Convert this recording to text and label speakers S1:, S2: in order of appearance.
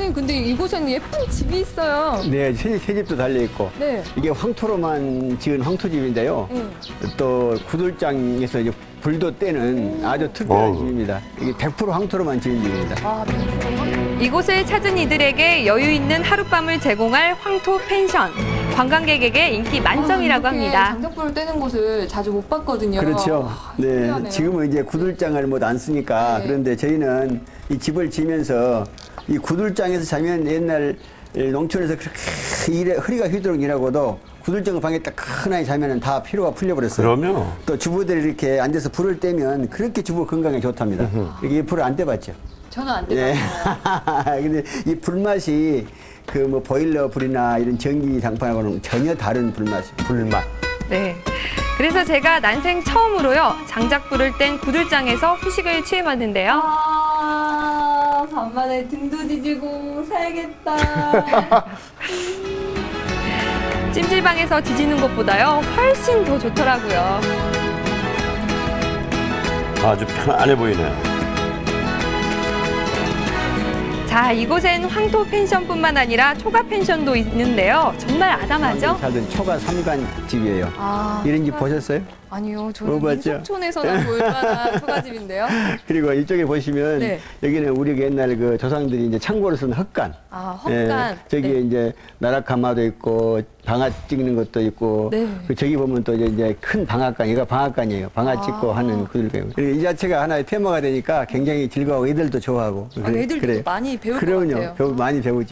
S1: 선생님, 근데 이곳에는 예쁜 집이 있어요.
S2: 네, 새 집도 달려있고.
S1: 네.
S2: 이게 황토로만 지은 황토집인데요.
S1: 네.
S2: 또 구들장에서 이제 불도 떼는 아주 특별한 집입니다. 이게 100% 황토로만 지은 집입니다.
S1: 아,
S3: 이곳을 찾은 이들에게 여유 있는 하룻밤을 제공할 황토 펜션. 관광객에게 인기 만점이라고 합니다.
S1: 장작불을 떼는 곳을 자주 못 봤거든요.
S2: 그렇죠. 네,
S1: 신기하네요.
S2: 지금은 이제 구들장을 못 안 쓰니까
S1: 네.
S2: 그런데 저희는 이 집을 지면서 이 구들장에서 자면 옛날 농촌에서 그렇게 허리가 휘도록 일하고도 구들장 방에 딱 하나에 자면은 다 피로가 풀려버렸어요.
S4: 그러면
S2: 또 주부들이 이렇게 앉아서 불을 떼면 그렇게 주부 건강에 좋답니다. 이게 불을 안 떼봤죠?
S1: 저는 안
S2: 예.
S1: 떼봤어요.
S2: 근데 이 불맛이 그 뭐 보일러 불이나 이런 전기 장판하고는 전혀 다른 불맛이.
S4: 불맛.
S3: 네. 그래서 제가 난생 처음으로요. 장작불을 뗀 구들장에서 휴식을 취해봤는데요.
S1: 아, 간만에 등도 뒤지고 살겠다.
S3: 찜질방에서 뒤지는 것보다요. 훨씬 더 좋더라고요.
S4: 아주 편안해 보이네요.
S3: 자, 이곳엔 황토 펜션뿐만 아니라 초가 펜션도 있는데요. 정말 아담하죠?
S2: 살던 초가 3간 집이에요.
S1: 아,
S2: 이런 집 보셨어요?
S1: 아니요,
S2: 못
S1: 저는
S2: 봤죠?
S1: 민속촌에서나 볼 만한 초가집인데요.
S2: 그리고 이쪽에 보시면
S1: 네.
S2: 여기는 우리 옛날 그 조상들이 이제 창고로 쓴 헛간.
S1: 아, 헛간.
S2: 저기에
S1: 네.
S2: 이제 나락가마도 있고 방아 찍는 것도 있고.
S1: 네.
S2: 그 저기 보면 또 이제 큰 방앗간, 이거 방앗간이에요. 방아 찍고 하는 그들. 그리고 이 자체가 하나의 테마가 되니까 굉장히 즐거워. 애들도 좋아하고.
S1: 아, 애들도 많이 배울 것 같아요.
S2: 많이 배우지.